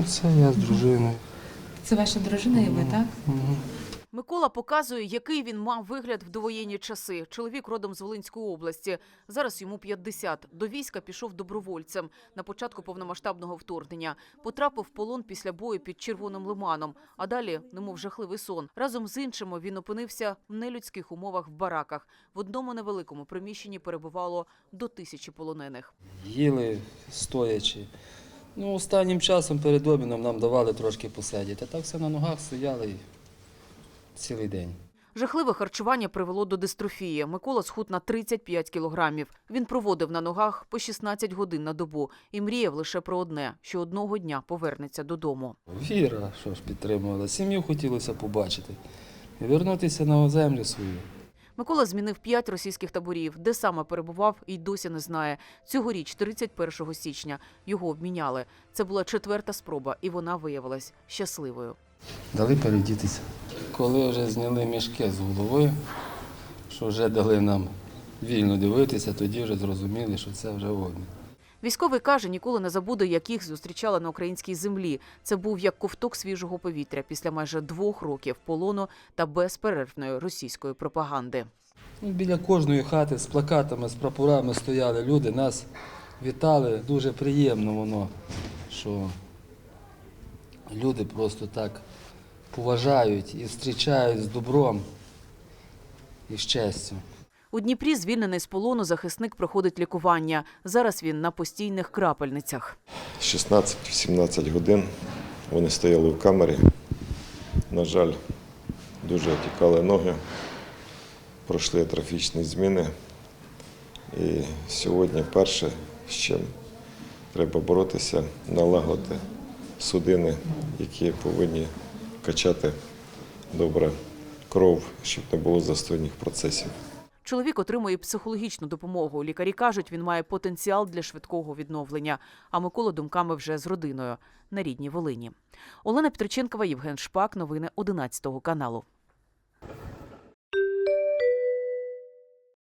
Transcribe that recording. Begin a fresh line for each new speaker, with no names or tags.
Ну, це я з дружиною.
Це ваша дружина і ви, так?
Мгм.
Микола показує, який він мав вигляд в довоєнні часи. Чоловік родом з Волинської області. Зараз йому 50. До війська пішов добровольцем на початку повномасштабного вторгнення. Потрапив в полон після бою під Червоним Лиманом. А далі, немов жахливий сон. Разом з іншими він опинився в нелюдських умовах в бараках. В одному невеликому приміщенні перебувало до 1000 полонених.
Їли стоячи. Ну, останнім часом перед обідом нам давали трошки посидіти. Так все на ногах стояли і цілий день.
Жахливе харчування привело до дистрофії. Микола схуд на 35 кілограмів. Він проводив на ногах по 16 годин на добу і мріяв лише про одне – що одного дня повернеться додому.
Віра, що ж підтримувала. Сім'ю хотілося побачити. І вернутися на землю свою.
Микола змінив 5 російських таборів. Де саме перебував, і досі не знає. Цьогоріч, 31 січня, його обміняли. Це була 4-та спроба, і вона виявилась щасливою.
Дали передітися. Коли вже зняли мішки з головою, що вже дали нам вільно дивитися, тоді вже зрозуміли, що це вже обмін.
Військовий каже, ніколи не забуде, як їх зустрічали на українській землі. Це був як ковток свіжого повітря після майже 2 років полону та безперервної російської пропаганди.
Ну, біля кожної хати з плакатами, з прапорами стояли люди, нас вітали. Дуже приємно воно, що люди просто так поважають і зустрічають з добром і з честю.
У Дніпрі, звільнений з полону, захисник проходить лікування. Зараз він на постійних крапельницях.
16-17 годин вони стояли в камері. На жаль, дуже отікали ноги, пройшли атрофічні зміни. І сьогодні перше, з чим треба боротися, налагодити судини, які повинні качати добре кров, щоб не було застойних процесів.
Чоловік отримує психологічну допомогу. Лікарі кажуть, він має потенціал для швидкого відновлення. А Микола думками вже з родиною на рідній Волині. Олена Петриченкова, Євген Шпак. Новини 11 каналу.